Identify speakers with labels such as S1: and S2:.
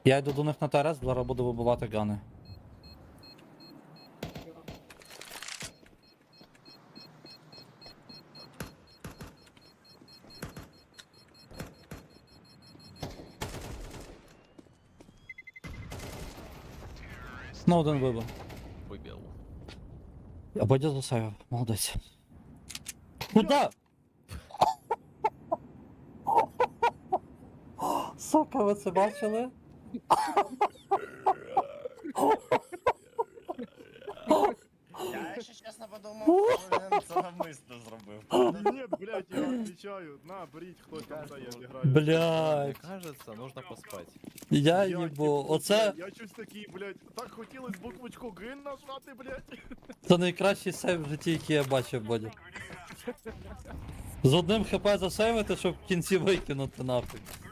S1: Я йду до них на ТРС, зараз буду вибивати гани. Ну, один вибив.
S2: Вибив.
S1: А Бодя засейвив, молодець. Куда? Сука, ви це бачили?
S3: Я, якщо чесно, подумав, що він це навмисно зробив.
S4: Ні, блядь, я відвічаю. На, беріть, хто там це, я зіграю.
S2: Мне
S1: Блядь,
S2: кажется, нужно поспать.
S1: я
S4: Я
S1: їбу,
S4: їбу,
S1: оце,
S4: блядь, я щось такий, блядь, так хотілось буквочку Г нажати, блядь.
S1: це найкращий сейв в житті, який я бачив, Бодя. З одним хп засейвити, щоб в кінці викинути нафиг.